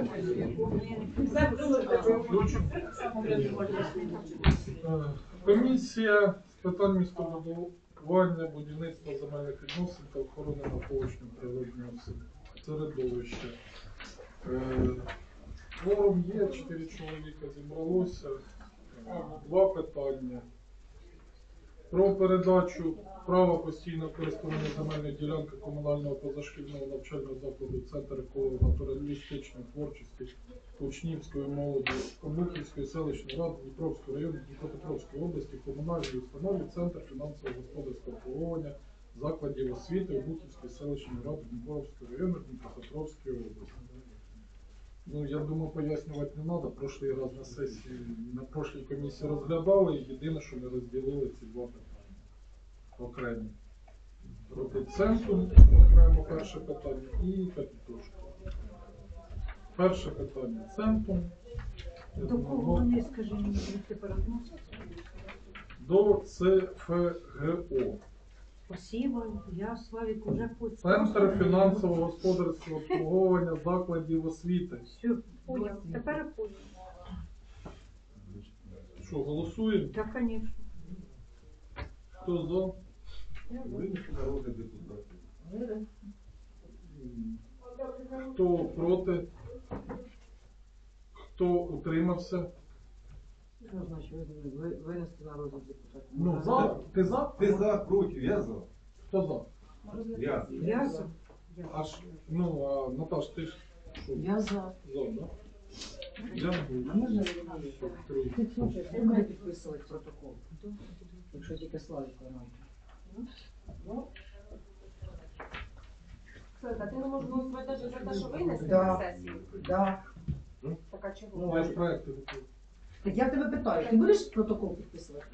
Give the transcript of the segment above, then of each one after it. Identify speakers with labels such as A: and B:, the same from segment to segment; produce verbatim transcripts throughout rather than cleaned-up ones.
A: Комісія з питань містобудування, будівництва земельних відносин та охорони навколишнього природнього середовища. Форум є, чотири чоловіка зібралося. Два питання. Про передачу права постійного користування земельної ділянки комунального позашкільного навчального закладу Центр еколого-натуралістичної творчості учнівської молоді Обухівської селищної ради Дніпровського району Дніпропетровської області комунальної установи Центр фінансово-господарського обслуговування закладів освіти Обухівської селищної ради Дніпровського району Дніпропетровської області. Ну, я думаю, пояснювати не треба. Прошлий раз на сесії, на прошлій комісії розглядали, і єдине, що ми розділили ці два питання окремі. Проти центру окремо перше питання і капітошку. Перше питання центру.
B: До кого вони, скажи мені, тепер относяться?
A: До Це Фе Ге О.
B: Спасибо, я, Славік, уже пусть.
A: Центр фінансово-господарського обслуговування закладів освіти.
B: Все, понял. Тепер понял.
A: Що, голосуємо?
B: Так, звісно.
A: Хто за?
C: Винести народний депутат.
A: Хто проти? Хто утримався?
D: Що значить ви- винести на розгляд депутатів?
A: Ну, за. Ти за?
C: Ти за, проти, я за.
A: Хто за?
C: Я.
B: Я за.
A: Аж, ну, а Наташ, ти ж що?
D: Я за.
A: За, да? Я буду.
D: А можна
A: Все, три.
D: ти слухай, ти має підписувати протокол, якщо тільки Славік вона.
E: Слухай, ти не можеш голосувати навіть за те, що винесли
D: Да.
E: на сесію?
D: Да.
E: Так, а чого?
D: Ну,
A: Маєш проекти готові?
D: Так я в тебе питаю, ти будеш протокол підписувати?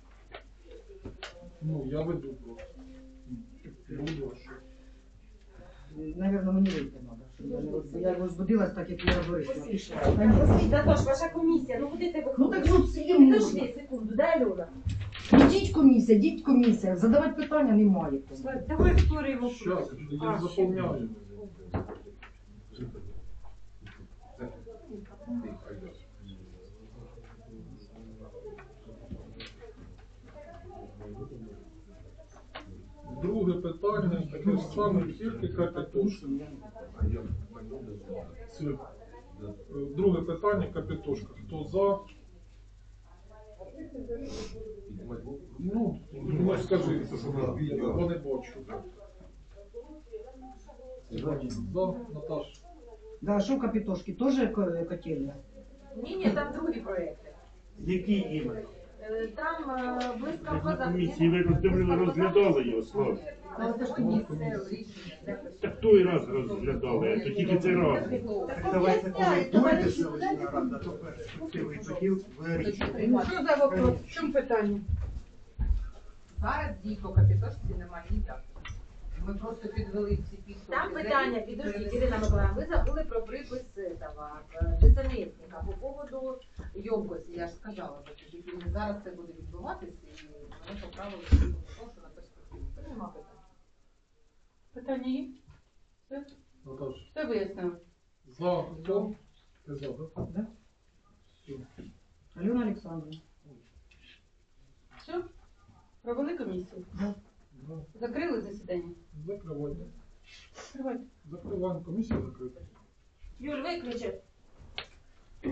A: Ну, я веду просто. Буду, а що?
D: Навірно, мені вийти треба, щоб я не роз- я розбудилась так, як я вирішила. Пішла. Та ні.
E: Послухай, Датош, ваша комісія, ну куди ти
D: Ну
E: виходиш?
D: так ну всім
E: Підожди
D: можна.
E: секунду, дай Альона.
D: Ідіть комісія, ідіть комісія. Задавати питання немає. кому.
B: Славік, давай второй вопрос.
A: Щас, я
B: А,
A: заповняю. Друге питання, таке ж саме, тільки капітошка. Все. Е, Друге питання, капітошка. Хто за? Ну, ну скажи, вони бачу. За, Наташ.
D: Да, що капітошки, теж ко- котельня?
E: Ні, ні, там другі проекти.
F: Які іменно?
E: Е, Там е, близько
F: На комісії ви роздивили, розглядали його, Слав. Так той раз розглядали, а то тільки цей раз.
G: Так давайте, коли дойде селищна рада, то перспективи тоді вирішимо.
B: Що за вопрос? В чому питання?
H: Зараз дій по капітошці немає ніяк. Ми просто підвели всі підсумки.
E: Там питання, підождіть, Ірина Миколаївна, ви забули про припис этого, е, десантника по поводу
H: Йомкості, я ж сказала, що тільки зараз це буде відбуватися і вони поправили того, що на перспективу. Це нема питань.
B: Питання є? Все?
A: Наташ.
B: Все вияснили.
A: За, хто? Ти за, так?
D: Да?
A: Все.
D: Альона Олександровна.
B: Все? Провели комісію?
A: Да.
B: Закрили засідання?
A: Закривайте.
B: Закривайте.
A: Закриваємо комісію, закрита.
E: Юль, виключи.